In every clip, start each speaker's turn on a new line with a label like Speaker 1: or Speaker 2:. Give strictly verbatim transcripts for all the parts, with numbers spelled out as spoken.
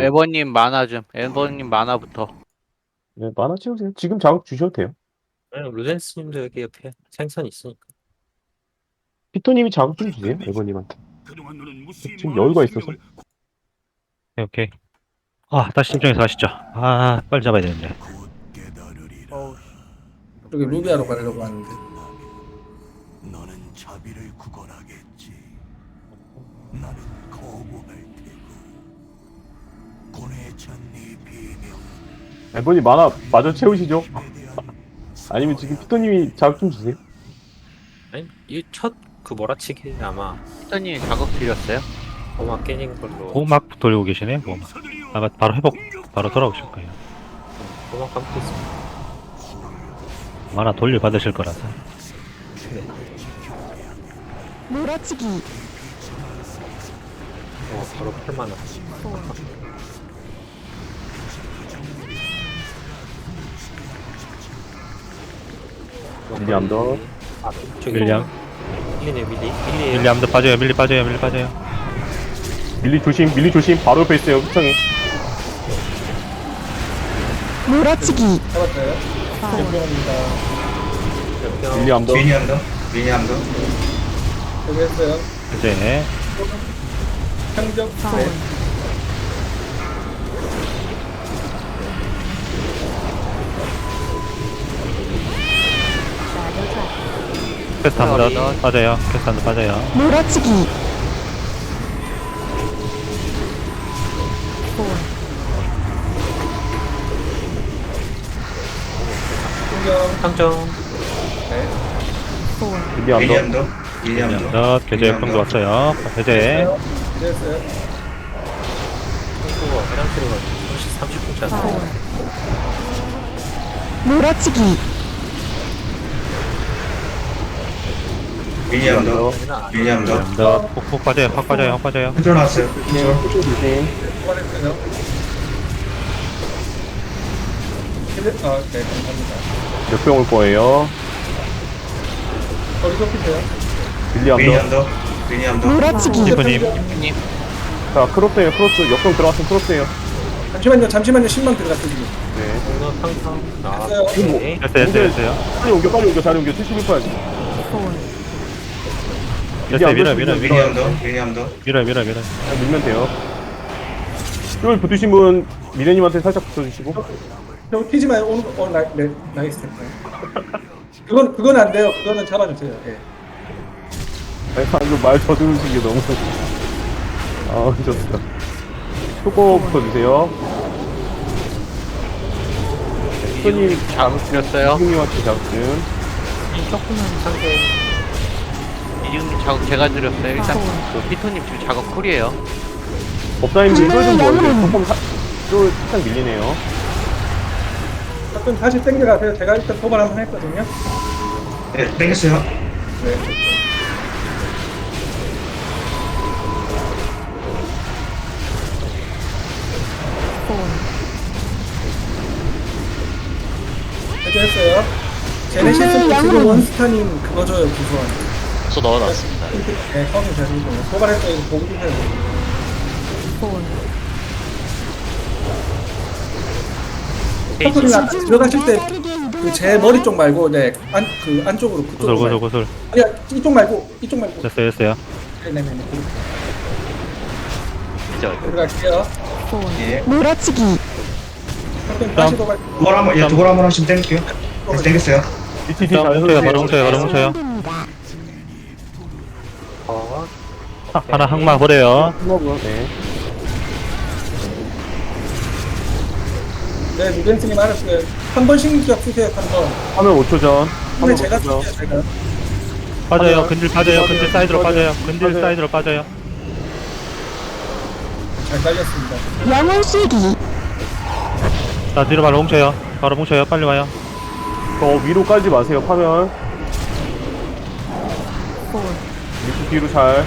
Speaker 1: 에버님 만화 좀. 에버님 만화부터.
Speaker 2: 네, 만화 채우세요. 지금 자극 주셔도 돼요.
Speaker 3: 아니, 루덴스님도 여기 옆에 생선 있으니까.
Speaker 2: 피토님이 자극 좀 주세요. 에버님한테. 지금 여유가 있어서.
Speaker 4: 오케이, 오케이. 아, 다시 심정에서 가시죠. 아, 빨리 잡아야 되는데.
Speaker 1: 어우,
Speaker 5: 여기 루비아로 가려고 하는데.
Speaker 6: 너는 자비를 구걸하겠지. 나는 거부할 테고. 고뇌찬 네 비명.
Speaker 2: 에버님 만화 마저 채우시죠. 아니면 지금 피토님이 자극 좀 주세요.
Speaker 3: 아니, 이 첫 그 몰아치기 아마
Speaker 1: 피터님 자극 드렸어요?
Speaker 3: 고마 깨진 걸로.
Speaker 4: 보호막 돌리고 계시네, 보호막. 아마 바로 회복, 바로 돌아오실 거예요.
Speaker 3: 고마 감고 있습니다.
Speaker 4: 만화 돌려 받으실 거라서.
Speaker 3: 네.
Speaker 7: 몰아치기
Speaker 3: 어, 바로 팔만 원.
Speaker 2: 밀리 암더.
Speaker 3: 아, 저기
Speaker 4: 밀리암.
Speaker 3: 밀리네, 밀리. 밀리.
Speaker 4: 밀리 암도 빠져요, 밀리 빠져요, 밀리 빠져요.
Speaker 2: 밀리 조심, 밀리 조심. 바로 옆에 있어요. 흡성이.
Speaker 7: 몰아치기
Speaker 5: 잡았어요. 챔피언입니다.
Speaker 2: 밀리 암더.
Speaker 8: 미니언더 미니언더
Speaker 5: 여기 했어요.
Speaker 4: 이제,
Speaker 5: 평적. 네.
Speaker 4: 퀘스트 한번 빠져요, 퀘스트 한번 빠져요.
Speaker 7: 몰아치기
Speaker 5: 풍경.
Speaker 3: 상정.
Speaker 2: 밀리 암더.
Speaker 8: 미니언더
Speaker 4: 밀리
Speaker 8: 미니언더
Speaker 4: 암도, 계좌 역병도 왔어요. 해제.
Speaker 5: 네, 했어요.
Speaker 3: 상수가 화장실에 가서 삼십 분 차.
Speaker 7: 몰아치기
Speaker 8: 미니언더
Speaker 4: 밀리
Speaker 8: 미니언더
Speaker 4: 암도, 푹푹 빠져요, 확 빠져요, 확 빠져요.
Speaker 8: 컨트롤 나왔어요
Speaker 2: 네,
Speaker 8: 컨트롤
Speaker 2: 조심.
Speaker 5: 뽑아냈어요. 힐- 아, 네, 감사합니다.
Speaker 2: 역병 올 거예요.
Speaker 5: 어디 좁히세요?
Speaker 2: 밀리 암더.
Speaker 8: 미니언더 미니언더
Speaker 7: 몰아치기
Speaker 4: 디프님,
Speaker 1: 피터님.
Speaker 2: 자, 크로스예요. 크로스. 역병 들어왔으면 크로스예요.
Speaker 5: 잠시만요, 잠시만요. 십만 들어갔어요, 지금.
Speaker 2: 네.
Speaker 3: 공격 항상 나.
Speaker 5: 됐어요.
Speaker 3: 오케이.
Speaker 4: 됐어요, 됐어요, 됐어요.
Speaker 2: 빨리 옮겨, 빨리 옮겨, 자리 옮겨. 칠십일 퍼센트.
Speaker 4: 됐어요, 밀어, 밀어, 밀어.
Speaker 8: 미니언더 미니언더
Speaker 4: 밀어, 밀어, 밀어.
Speaker 2: 그냥 밀면 돼요. 쫄 붙으신 분 미래님한테 살짝 붙어주시고.
Speaker 5: 저 튀지 마요. 오는 거, 어, 나, 네, 나이스 됐다. 그건, 그건 안 돼요. 그거는 잡아주세요. 예.
Speaker 2: 아니, 방금 말 저들으신 게 너무. 아, 좋습니다. 초코 붙어주세요. 손님
Speaker 1: 자극 드렸어요.
Speaker 2: 형님한테 잡든.
Speaker 3: 조금만 상대.
Speaker 1: 이중님 자극 제가 드렸어요. 일단 그 피터님 지금 자극 쿨이에요.
Speaker 2: 법사님 쫄좀
Speaker 7: 정말
Speaker 2: 보여주세요.
Speaker 7: 양은.
Speaker 2: 조금 사, 쫄 살짝 밀리네요.
Speaker 5: 가끔 다시 땡겨가세요. 제가 일단 도발 한번 했거든요.
Speaker 8: 네 땡겼어요
Speaker 5: 네. 해제했어요. 제네시스
Speaker 7: 네,
Speaker 5: 지금
Speaker 7: 양은.
Speaker 5: 원스타님 그거 줘요, 구소원.
Speaker 9: 저 넣어놨습니다.
Speaker 5: 네, 처음에 잘 읽어요. 도발했어요. 이거 보고 주세요. 서클이나 들어가실 때 그 제 머리 쪽 말고 네, 안, 그 안쪽으로
Speaker 4: 구슬,
Speaker 5: 그쪽으로
Speaker 4: 구슬,
Speaker 5: 말고.
Speaker 4: 구슬.
Speaker 5: 아니야, 이쪽 말고 이쪽 말고.
Speaker 4: 됐어요, 됐어요.
Speaker 5: 네네네.
Speaker 9: 진짜
Speaker 5: 들어갈게요.
Speaker 8: 예
Speaker 7: 몰아치기
Speaker 5: 서클 다시 도발.
Speaker 8: 두골 한번 예 두골 한번 하시면 땡길게요 네 땡겼어요
Speaker 2: 비티티
Speaker 4: 자,
Speaker 2: 잘
Speaker 4: 뭉쳐요, 바로
Speaker 2: 해주세요.
Speaker 4: 뭉쳐요, 바로 뭉쳐요.
Speaker 7: 됩니다.
Speaker 3: 어.
Speaker 4: 하- 하나 항마 버려요.
Speaker 2: 스모그, 네.
Speaker 5: 네, 누벤스님 알았어요. 한 번씩 격 쓰세요, 한 번.
Speaker 2: 화면 오 초 전.
Speaker 5: 근데
Speaker 2: 화면
Speaker 5: 제가
Speaker 2: 오 초 전.
Speaker 5: 쓸게요, 제가.
Speaker 4: 빠져요, 근질 빠져요,
Speaker 2: 빠져요,
Speaker 4: 근질 사이드로
Speaker 2: 빠져요.
Speaker 4: 빠져요, 근질
Speaker 2: 빠져요.
Speaker 4: 사이드로 빠져요.
Speaker 5: 잘 깔렸습니다.
Speaker 7: 영혼 실기
Speaker 4: 자, 뒤로 바로 뭉쳐요. 바로 뭉쳐요, 빨리 와요.
Speaker 2: 저 위로 깔지 마세요, 화면. 밑에 뒤로 잘.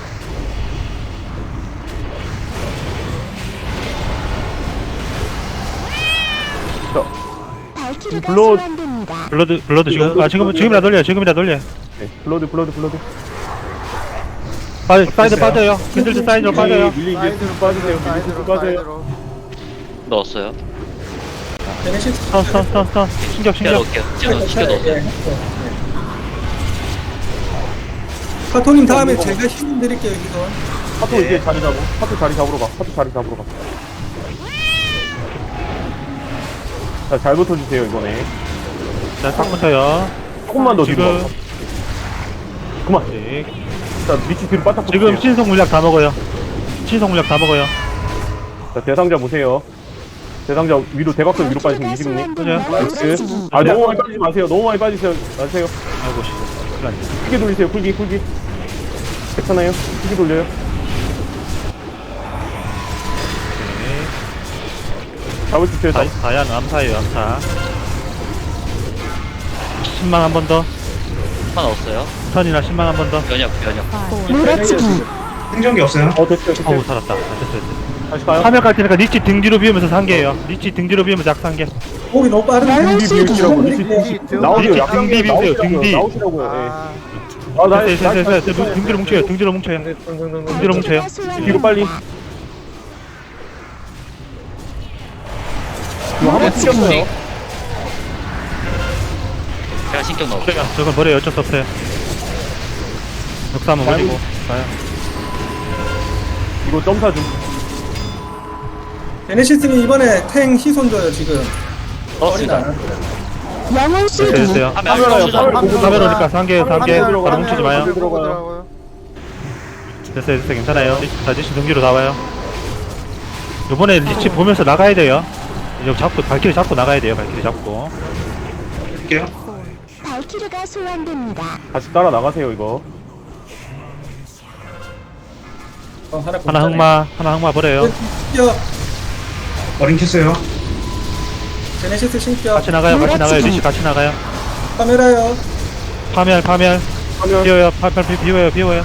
Speaker 2: 자,
Speaker 7: 발키리가
Speaker 2: 블러-
Speaker 7: 소환됩니다.
Speaker 4: 블러드, 블러드 지금, 아, 지금, 지금이라 돌려요, 지금이라 돌려요.
Speaker 2: 네. 블러드, 블러드, 블러드.
Speaker 4: 빠, 사이드 빠져요. 캔들즈 사이드로 빠져요.
Speaker 2: 밀리 밀리 쭉 빠지세요. 밀리 쭉 빠져요.
Speaker 1: 넣었어요.
Speaker 5: 제네시스
Speaker 4: 스턴, 스턴, 스턴, 스턴. 신격,
Speaker 1: 시켜
Speaker 4: 신격.
Speaker 1: 넣을게요. 지금 시켜 넣었어요.
Speaker 5: 예, 카토님 다음에 제가 힘 드릴게요 여기서.
Speaker 2: 파토 이제 자리 잡고. 파토 자리 잡으러 가. 파토 자리 잡으러 가. 자, 잘 붙어주세요 이번에.
Speaker 4: 자, 딱 붙어요.
Speaker 2: 조금만 더 뒤로.
Speaker 4: 지금,
Speaker 2: 가. 그만.
Speaker 4: 네.
Speaker 2: 자, 밑이 뒤로 바짝
Speaker 4: 지금
Speaker 2: 붙을게요.
Speaker 4: 신속 물약 다 먹어요. 신속 물약 다 먹어요.
Speaker 2: 자, 대상자 보세요. 대상자 위로 대각선 위로 빠지시면 이십님.
Speaker 4: 그죠?
Speaker 2: 나이스. 아, 너무 많이 빠지지 마세요. 너무 많이 빠지세요. 마세요.
Speaker 4: 아이고, 씨. 시간.
Speaker 2: 크게 돌리세요. 쿨기, 쿨기. 괜찮아요. 크게 돌려요. 잡으십시오.
Speaker 4: 다,
Speaker 2: 잡.
Speaker 4: 다양 암사예요, 암사. 십만 한 번 더.
Speaker 1: 하나 넣었어요.
Speaker 4: 스턴이나 십만 한 번 더.
Speaker 1: 변역 변역.
Speaker 7: 몰아치기
Speaker 8: 생존기 없어요.
Speaker 2: 어, 됐어요. 됐어요.
Speaker 4: 어우, 살았다. 됐어, 됐어, 됐어.
Speaker 2: 다시 가요.
Speaker 4: 화면 깔 테니까 니치 등 뒤로 비우면서 상계예요. 니치 등 뒤로 비우면서 약 상계.
Speaker 5: 목이 너무 빠른데.
Speaker 2: 등비 비우시라고.
Speaker 5: 네.
Speaker 2: 니치 나오세요.
Speaker 4: 등비
Speaker 2: 약간
Speaker 4: 비우세요,
Speaker 2: 나오시라고요.
Speaker 4: 등비.
Speaker 2: 나오시라고요. 예. 아, 나,
Speaker 4: 됐어, 됐어, 됐어, 됐어. 등 뒤로 뭉쳐요, 등 뒤로 뭉쳐요. 등 뒤로 뭉쳐요.
Speaker 2: 뒤로 빨리. 이거 한번 튀겼어요.
Speaker 1: 제가 신경 넣었어요.
Speaker 4: 저건 머리에 어쩔 수 없어요. 역사 한번 버리고 가요.
Speaker 2: 이거 점사 좀.
Speaker 5: 제네시스님 이번에 탱 희손 줘요 지금.
Speaker 1: 넣었습니다.
Speaker 7: 영혼
Speaker 4: 됐어요,
Speaker 7: 실기
Speaker 4: 됐어요.
Speaker 1: 하면
Speaker 2: 카메라요.
Speaker 1: 수정.
Speaker 2: 카메라 보고
Speaker 4: 카메라 오니까 상계, 상계.
Speaker 2: 들어가요.
Speaker 4: 바로 뭉치지 마요.
Speaker 2: 카메라 들어가요.
Speaker 4: 됐어요, 됐어요. 괜찮아요. 자, 니치 등 뒤로 나와요. 요번에 니치 보면서 나가야 돼요. 이거 잡고, 발키리 잡고 나가야 돼요, 발키리 잡고.
Speaker 8: 할게요.
Speaker 7: 발키르가 소환됩니다.
Speaker 2: 다시 따라 나가세요 이거.
Speaker 5: 어, 하나
Speaker 4: 하나 흑마, 하나 흑마 버려요.
Speaker 5: 신격.
Speaker 8: 어린 켰어요.
Speaker 5: 제네시스 신격.
Speaker 4: 같이 나가요, 같이 나가요. 니치 같이 나가요.
Speaker 5: 카메라요.
Speaker 4: 파멸, 파멸.
Speaker 2: 하면
Speaker 4: 비워요, 파멸, 비- 비워요, 비워요.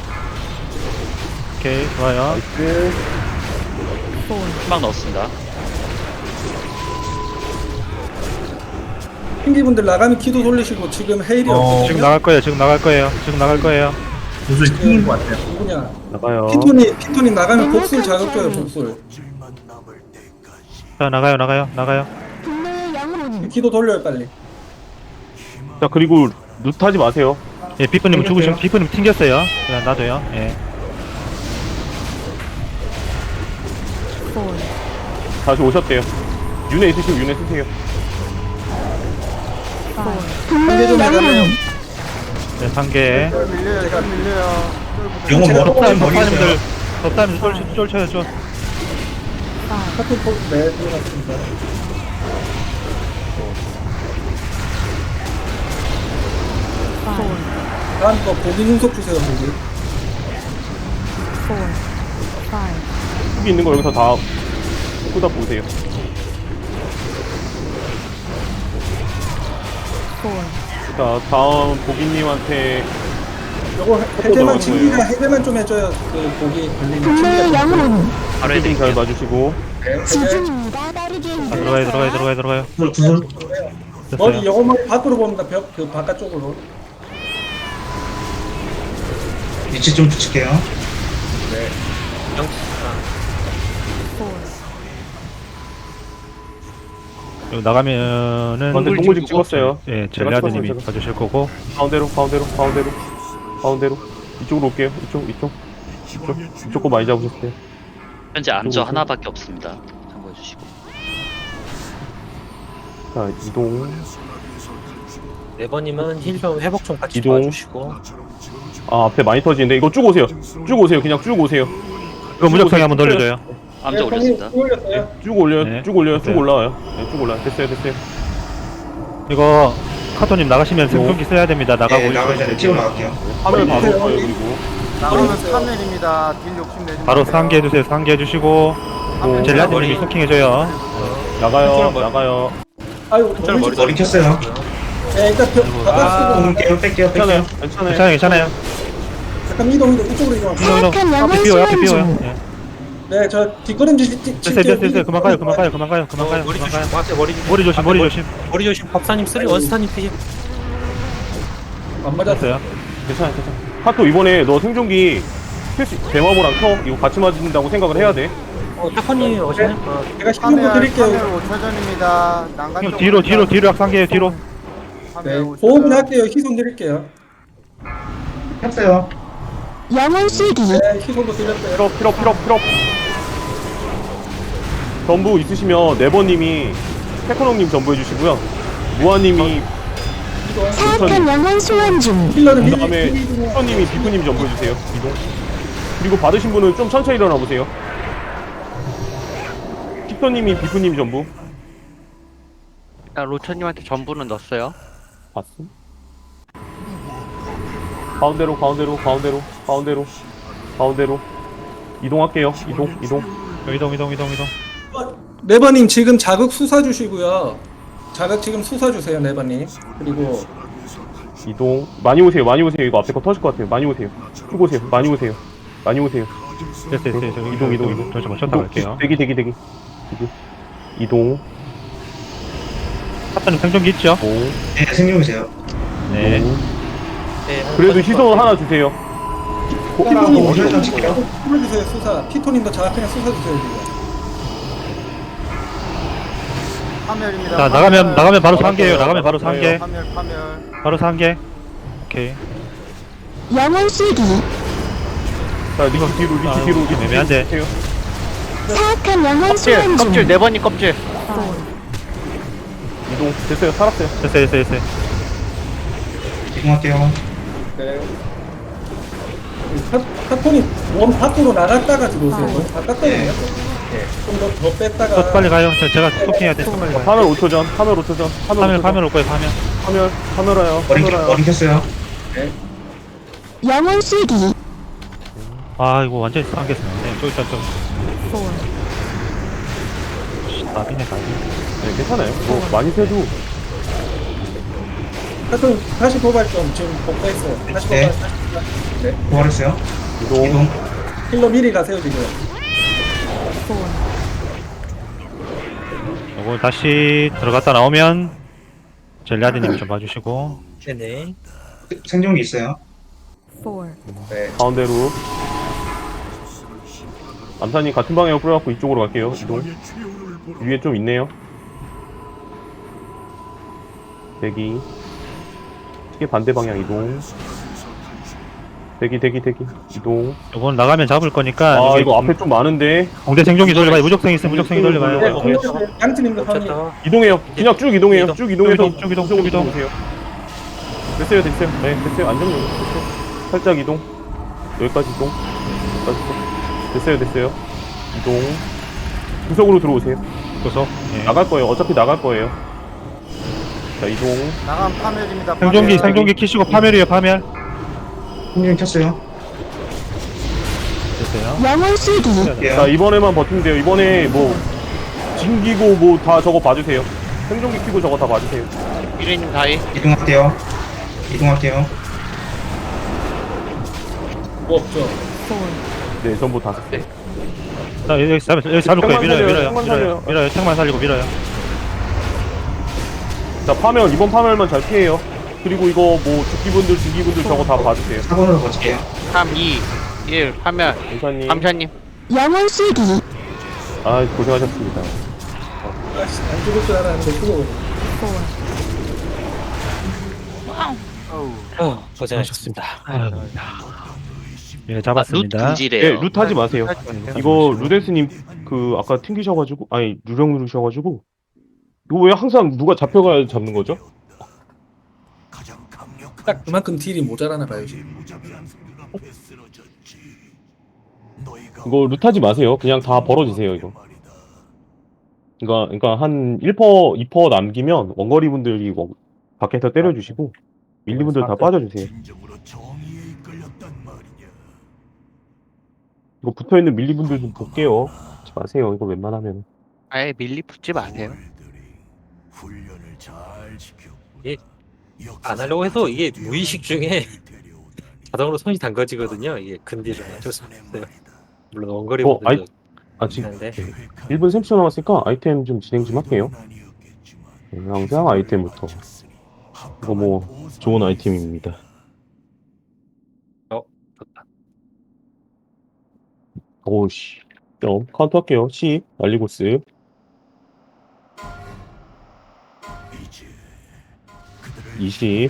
Speaker 4: 오케이, 좋아요.
Speaker 2: 네.
Speaker 1: 희망 넣었습니다.
Speaker 5: 핑기분들 나가면 키도 돌리시고 지금 헤일이
Speaker 8: 어,
Speaker 5: 없거든요.
Speaker 4: 지금 나갈 거예요, 지금 나갈 거예요. 지금 나갈 거예요.
Speaker 8: 무슨 튕긴 것 같아요.
Speaker 5: 누구냐?
Speaker 2: 나가요.
Speaker 5: 피톤이 피톤이 나가면 복술 자극줘요 복술.
Speaker 6: 질만 남을 때까지
Speaker 4: 자, 나가요, 나가요, 나가요.
Speaker 7: 분노의 영혼
Speaker 5: 키도 돌려요 빨리.
Speaker 2: 자, 그리고 루트하지 마세요.
Speaker 4: 예, 비프님 죽으시면, 비프님 튕겼어요. 그냥 놔둬요. 예.
Speaker 2: 다시 오셨대요. 윤회 있으시고 윤회 쓰세요.
Speaker 5: 한개 좀
Speaker 7: 분노의
Speaker 5: 나가면
Speaker 7: 영혼
Speaker 4: 네, 상계.
Speaker 8: 영혼
Speaker 5: 제가
Speaker 8: 머리
Speaker 4: 법사님,
Speaker 8: 머리
Speaker 4: 법사님들,
Speaker 8: 있어요.
Speaker 4: 법사님 쫄, 쫄쳐요, 쫄.
Speaker 5: 카톤 포 네, 들어갔습니다. 다음 거 보기 눈속 주세요 보기.
Speaker 2: 여기 있는 거 여기서 다 쏟아 보세요. 자, 다음 보기님한테
Speaker 5: 요거 해제만 진기가 해제만 좀 해줘요. 그 보기 걸리는
Speaker 7: 분노의
Speaker 5: 진기가 좀.
Speaker 7: 영혼
Speaker 1: 바로
Speaker 2: 좀 잘
Speaker 1: 해드릴게요.
Speaker 2: 봐주시고.
Speaker 5: 네, 해제.
Speaker 7: 지중입니다. 빠르게
Speaker 4: 아, 들어가요, 들어가요, 들어가요, 들어가요.
Speaker 8: 구슬 구슬.
Speaker 5: 머리
Speaker 4: 됐어요.
Speaker 5: 영어 머리 밖으로 봅니다. 벽 그 바깥쪽으로.
Speaker 8: 위치 좀 붙일게요.
Speaker 4: 여기 나가면은,
Speaker 2: 근데 동물집 찍었어요.
Speaker 4: 예,
Speaker 2: 제가
Speaker 4: 젤리아드님이
Speaker 2: 찍었어요, 제가.
Speaker 4: 봐주실 거고.
Speaker 2: 가운데로, 가운데로, 가운데로, 가운데로. 이쪽으로 올게요. 이쪽, 이쪽. 이쪽, 이쪽 거 많이 잡으셨어요.
Speaker 1: 현재 암저 하나밖에 없습니다. 참고해 주시고.
Speaker 2: 자, 이동.
Speaker 3: 네 번이면 힐 좀 회복 좀 같이
Speaker 2: 이동.
Speaker 3: 도와주시고.
Speaker 2: 아, 앞에 많이 터지는데 이거 쭉 오세요. 쭉 오세요. 그냥 쭉 오세요.
Speaker 4: 이거 무적성에 한번 돌려줘요.
Speaker 1: 암저 올렸습니다.
Speaker 5: 올렸어요.
Speaker 2: 쭉 올려요.
Speaker 4: 네.
Speaker 2: 쭉 올려요. 쭉
Speaker 4: 됐어요.
Speaker 2: 올라와요. 네, 쭉 올라요. 됐어요. 됐어요.
Speaker 4: 이거, 카토님 나가시면 생존기 써야 됩니다. 나가고.
Speaker 8: 네, 나가기 전에 찍어 나갈게요.
Speaker 2: 화면 바로 올 거예요. 그리고.
Speaker 9: 나가면 삼 렐입니다. 딜 욕심 내지
Speaker 4: 바로
Speaker 9: 마세요.
Speaker 4: 상기해주세요. 상기해주시고.
Speaker 2: 또
Speaker 4: 젤리아드님이 소킹해줘요.
Speaker 2: 나가요. 나가요.
Speaker 5: 아유 너무
Speaker 8: 머리, 머리 켰어요.
Speaker 5: 네, 일단 벽 바깥으로
Speaker 8: 공 뺄게요, 뺄게요,
Speaker 2: 괜찮아요.
Speaker 8: 뺄게요.
Speaker 2: 괜찮아요.
Speaker 4: 괜찮아요, 괜찮아요.
Speaker 5: 잠깐 이동 이동 이쪽으로 이동.
Speaker 4: 이동, 이동.
Speaker 7: 사악한
Speaker 4: 앞에
Speaker 7: 영혼
Speaker 4: 비워요, 앞에
Speaker 7: 소환
Speaker 4: 비워요.
Speaker 7: 중
Speaker 4: 예.
Speaker 5: 네, 저 뒷걸음질 찍- 찍-
Speaker 4: 됐어요, 됐어요, 됐어요. 그만 가요,
Speaker 5: 찍-
Speaker 4: 그만 가요, 그만 가요, 그만 가요,
Speaker 3: 머리
Speaker 4: 그만
Speaker 3: 조심.
Speaker 4: 가요.
Speaker 3: 앞에 머리 조심.
Speaker 4: 머리 조심,
Speaker 3: 앞에
Speaker 4: 머리
Speaker 3: 머리-
Speaker 4: 조심.
Speaker 3: 머리 조심. 법사님 쓰리 원스타님 피지.
Speaker 5: 안 맞았어요.
Speaker 4: 됐어요.
Speaker 2: 괜찮아요. 괜찮아요. 카토 이번에 너 생존기 큐시 대마보랑 켜 이거 같이 맞는다고 생각을 해야 돼.
Speaker 3: 어, 타코님 오시네? 어,
Speaker 5: 제가 신경
Speaker 9: 카멜
Speaker 5: 드릴게요.
Speaker 9: 카멜 오 초 전입니다. 난간
Speaker 4: 형
Speaker 9: 쪽
Speaker 4: 뒤로
Speaker 9: 오른쪽.
Speaker 4: 뒤로 뒤로 약상계요 뒤로.
Speaker 9: 카멜
Speaker 5: 네,
Speaker 9: 오 초
Speaker 5: 보험
Speaker 9: 전.
Speaker 5: 할게요. 희손 드릴게요.
Speaker 8: 켰어요.
Speaker 7: 영혼 쓰기.
Speaker 5: 네, 희손도 드렸어요.
Speaker 2: 필업 필업 필업 필업. 전부 있으시면 네버님이 태커농님 전부 해주시고요. 무아님이
Speaker 7: 사악한 영혼 소환 중.
Speaker 5: 힐러는
Speaker 2: 그
Speaker 5: 미리
Speaker 2: 다음에
Speaker 5: 미리 좀-
Speaker 2: 수천님이 비프님 전부 해주세요. 이동. 그리고 받으신 분은 좀 천천히 일어나 보세요. 킥터님이 비프님 전부.
Speaker 1: 일단 로천님한테 전부는 넣었어요.
Speaker 2: 봤어? 가운데로 가운데로 가운데로 가운데로 가운데로 이동할게요. 이동 이동.
Speaker 4: 이동 이동 이동 이동.
Speaker 5: 네버님 지금 자극 수사 주시고요. 자극 지금 수사 주세요, 네버님. 그리고
Speaker 2: 이동. 많이 오세요. 많이 오세요. 이거 앞에 거 터질 것 같아요. 많이 오세요. 쭉 오세요. 많이 오세요. 많이 오세요.
Speaker 4: 됐어 됐어 됐어.
Speaker 2: 이동 이동 이동.
Speaker 4: 잠시만 쳤다 갈게요.
Speaker 2: 대기 대기 대기. 이동. 이동.
Speaker 4: 사탄님 생존기 있죠?
Speaker 2: 이동.
Speaker 8: 네, 생명이세요.
Speaker 4: 네.
Speaker 2: 이동.
Speaker 3: 네,
Speaker 2: 그래도 희소 하나 주세요.
Speaker 5: 피토님
Speaker 8: 어,
Speaker 5: 어디
Speaker 8: 설정 칠게요.
Speaker 5: 수사 주세요, 수사. 피토님도 자극 수사 주세요, 지금.
Speaker 9: 카멜입니다.
Speaker 4: 자 나가면 나가면 바로 상계예요. 나가면 바로 상계.
Speaker 9: 카멜 카멜.
Speaker 4: 바로 상계. 오케이.
Speaker 7: 영혼 쓰기.
Speaker 2: 자, 리치 뒤로, 리치
Speaker 4: 아,
Speaker 2: 뒤로, 리치
Speaker 4: 애매한데.
Speaker 2: 뒤로.
Speaker 7: 사악한 영혼
Speaker 1: 껍질,
Speaker 7: 소환 중.
Speaker 1: 껍질 네 번님 껍질.
Speaker 2: 이동. 됐어요. 살았어요.
Speaker 4: 됐어 됐어 됐어.
Speaker 8: 이동할게요.
Speaker 5: 네. 카, 카톤이 원 밖으로 나갔다가 들어오세요. 너무 바깥거든요.
Speaker 8: 네.
Speaker 5: 네. 좀더 더 뺐다가.
Speaker 4: 또 빨리 가요. 저 제가 토킹해야 돼. 빨리 가요.
Speaker 2: 파멸 오 초 전, 파멸 오 초 전, 파멸
Speaker 4: 파멸
Speaker 2: 오 초 전.
Speaker 4: 파멸 올 거예요. 파멸.
Speaker 2: 파멸, 파멸아요.
Speaker 8: 머리,
Speaker 2: 파멸아요.
Speaker 8: 머리 켰어요.
Speaker 7: 영혼 쓰기.
Speaker 4: 아 이거 완전히 상계했네. 저 일단 좀. 씨, 나비네 나비.
Speaker 2: 네, 괜찮아요. 뭐, 많이 세도.
Speaker 5: 카톤 다시 도발 좀 지금 복사했어요. 다시
Speaker 8: 네.
Speaker 5: 도발, 다시 도발. 네.
Speaker 8: 부활했어요.
Speaker 2: 이동.
Speaker 8: 이동.
Speaker 5: 힐러 미리 가세요, 지금.
Speaker 4: 요거 다시 들어갔다 나오면 젤리아드님 좀 봐주시고.
Speaker 3: 네네.
Speaker 8: 생존기 있어요.
Speaker 5: 네.
Speaker 2: 가운데로. 암사님 같은 방향으로 뿌려갖고 이쪽으로 갈게요. 이동. 위에 좀 있네요. 대기. 시계 반대 방향 이동. 대기, 대기, 대기. 이동.
Speaker 4: 요건 나가면 잡을 거니까.
Speaker 2: 아,
Speaker 4: 여기
Speaker 2: 이거 앞에 좀 많은데.
Speaker 4: 공대 생존기 돌려봐요. 무적생 있으면 무적생이
Speaker 5: 네,
Speaker 4: 돌려봐요.
Speaker 5: 힐러 양팀님도 상의.
Speaker 3: 쳤다.
Speaker 2: 이동해요. 그냥 쭉 이동해요.
Speaker 3: 이동.
Speaker 2: 쭉 이동해서
Speaker 4: 쭉 이동, 쭉 이동,
Speaker 2: 이쪽으로
Speaker 4: 쭉 이동.
Speaker 2: 오세요. 됐어요, 됐어요. 네, 됐어요. 안정력. 됐어요. 살짝 이동. 여기까지 이동. 여기까지 이동. 됐어요, 됐어요. 이동. 구석으로 들어오세요.
Speaker 4: 구석. 예.
Speaker 2: 나갈 거예요. 어차피 나갈 거예요. 자, 이동.
Speaker 9: 나간 파멜입니다.
Speaker 4: 생존기
Speaker 9: 파멜.
Speaker 4: 생존기 키시고 파멸이에요. 파멸.
Speaker 8: 생존기 켰어요.
Speaker 4: 됐어요.
Speaker 7: 영혼 쓰기.
Speaker 2: 자,
Speaker 8: 할게요.
Speaker 2: 이번에만 버티면 돼요. 이번에 뭐, 징기고 뭐 다 저거 봐주세요. 생존기 키고 저거 다 봐주세요.
Speaker 1: 미래님 다이.
Speaker 8: 이동할게요. 이동할게요.
Speaker 5: 뭐 없죠.
Speaker 2: 네, 전부 다 썼어요.
Speaker 4: 자 여기 잡 여기 잡을 거예요.
Speaker 2: 택만
Speaker 4: 밀어요.
Speaker 2: 살려요,
Speaker 4: 밀어요.
Speaker 2: 택만
Speaker 4: 밀어요.
Speaker 2: 살려요.
Speaker 4: 밀어요. 택만 살리고 밀어요.
Speaker 2: 자, 파멸, 이번 파멸만 잘 피해요. 그리고 이거 뭐, 죽기분들, 죽기분들 저거 다 봐주세요.
Speaker 8: 사 번으로 버틸게요.
Speaker 1: 삼, 이, 일, 파멸.
Speaker 2: 감사님.
Speaker 1: 감사님.
Speaker 7: 영혼 쓰기.
Speaker 2: 아, 고생하셨습니다.
Speaker 5: 아씨, 안 죽을 줄 알았는데 죽어.
Speaker 3: 어, 고생하셨습니다.
Speaker 4: 예 잡았습니다.
Speaker 1: 루
Speaker 2: 네, 룻 하지 마세요. 이거 루데스님 그 아까 튕기셔가지고 아니 누령 누르셔가지고 이거 왜 항상 누가 잡혀가야 잡는 거죠?
Speaker 5: 딱 그만큼 딜이 모자라나 봐요, 지금.
Speaker 2: 이거 룻 하지 마세요. 그냥 다 벌어지세요 이거. 그러니까 그러니까 한 일 퍼센트, 이 퍼센트 남기면 원거리 분들이 뭐 밖에서 때려주시고 밀리 분들 다 빠져주세요. 이거 붙어 있는 밀리 분들 좀 볼게요. 하지 마세요. 이거 웬만하면.
Speaker 1: 아예 밀리 붙지 마세요.
Speaker 3: 안 하려고 해도 이게 무의식 중에 자동으로 손이 담궈지거든요. 이게 근딜은 어쩔 수 없어요. 물론 원거리
Speaker 2: 어, 아이-
Speaker 3: 분들도
Speaker 2: 아 지금
Speaker 3: 있는데.
Speaker 2: 일 분 삼십 초 남았으니까 아이템 좀 진행 좀 할게요. 네, 항상 아이템부터. 이거 뭐 좋은 아이템입니다.
Speaker 3: 어, 좋다.
Speaker 2: 오씨. 점 카운트 할게요. 십 날리고스. 이십.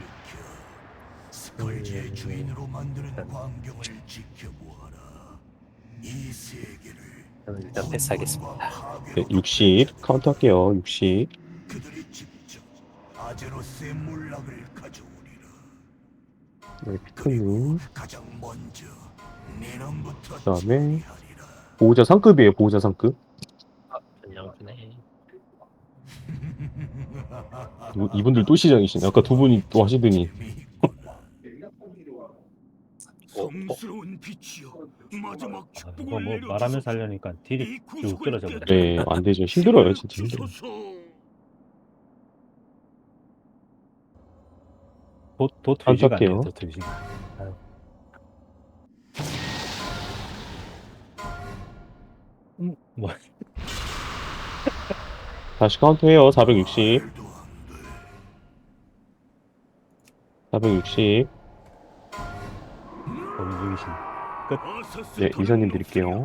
Speaker 6: 스컬지의 주인으로 만드는 광경을 지켜보아라. 이 세계를
Speaker 3: 저는 일단 패스하겠습니다.
Speaker 2: 네, 육십 카운트 할게요. 육십.
Speaker 6: 그들이 직접 아제로스의 몰락을 가져오리라.
Speaker 2: 네, 피크님.
Speaker 6: 가장 먼저 니놈부터
Speaker 2: 그다음에
Speaker 6: 처리하리라.
Speaker 2: 보호자 상급이에요. 보호자 상급.
Speaker 3: 전령주네.
Speaker 2: 이- 이분들 또 시장이시네. 아까 두 분이 또 하시더니.
Speaker 6: 성스러운 빛이여, 마지막
Speaker 4: 아, 이거
Speaker 6: 축복을
Speaker 4: 뭐
Speaker 6: 내려주소서.
Speaker 4: 말하면서 하려니까 딜이
Speaker 6: 이
Speaker 4: 쭉
Speaker 6: 구속을
Speaker 4: 떨어져 버려.
Speaker 2: 네, 안 되죠. 힘들어요. 진짜 힘들어요.
Speaker 6: 주소서.
Speaker 4: 도, 도트 유지가 안 돼요.
Speaker 2: 깜짝해요.
Speaker 4: 도트 유지가. 아유. 음, 뭐
Speaker 2: 다시 카운트해요. 사백육십. 사백육십.
Speaker 4: 범인 중이신.
Speaker 2: 네, 이사님 드릴게요.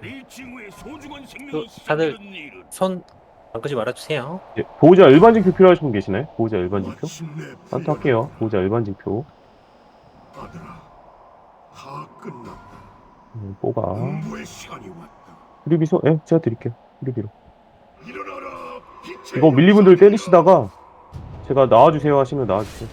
Speaker 3: 그, 다들 손 바꾸지 말아주세요.
Speaker 2: 네, 보호자 일반직표 필요하신 분 계시나요? 보호자 일반직표? 카운트 할게요. 보호자 일반직표.
Speaker 6: 아들아, 다 끝났다.
Speaker 2: 음, 뽑아.
Speaker 6: 공부의 시간이 왔다.
Speaker 2: 후리비소? 예, 제가 드릴게요. 후리비로.
Speaker 6: 일어나라, 빛의
Speaker 2: 이거 밀리분들
Speaker 6: 역사들아.
Speaker 2: 때리시다가 제가 나와주세요 하시면 나와주세요.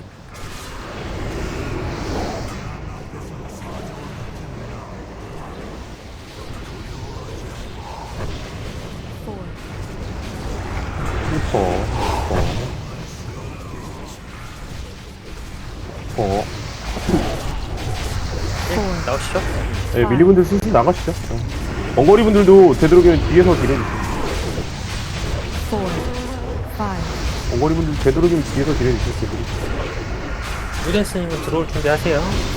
Speaker 2: 슈퍼, 슈퍼, 슈퍼.
Speaker 3: 나오시죠?
Speaker 2: 예, 밀리분들 슬슬 나가시죠. 어. 원거리 분들도 되도록이면 뒤에서 딜해주세요. 원거리 분들 되도록이면 뒤에서 딜해주세요. 되도록.
Speaker 3: 유댄스님은 들어올 준비하세요.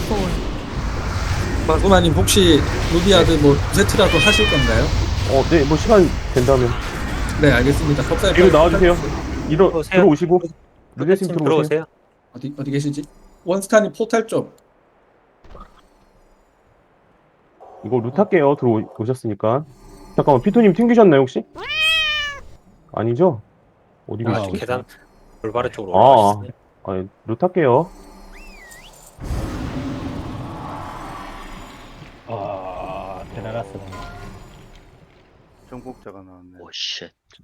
Speaker 5: 마구마님 혹시 루비아드 뭐 세트라도 하실 건가요?
Speaker 2: 어, 네, 뭐 시간 된다면.
Speaker 5: 네, 알겠습니다. 법사에
Speaker 2: 뒤로 나와주세요. 일어,
Speaker 3: 들어오세요.
Speaker 2: 들어오시고. 루데스님
Speaker 3: 유댄스님
Speaker 2: 들어오세요.
Speaker 3: 들어오세요.
Speaker 5: 어디 어디 계시지? 원스타님 포탈 쪽.
Speaker 2: 이거 루트 할게요. 들어오셨으니까. 잠깐만, 피토님 튕기셨나요, 혹시? 아니죠? 어디
Speaker 3: 아,
Speaker 2: 계시지?
Speaker 3: 계단 올바른 쪽으로
Speaker 2: 아,
Speaker 3: 올라가시네.
Speaker 2: 아, 루트 할게요.
Speaker 4: 아, 대단하스.
Speaker 9: 정복자가 나왔네.
Speaker 1: 오 쉣.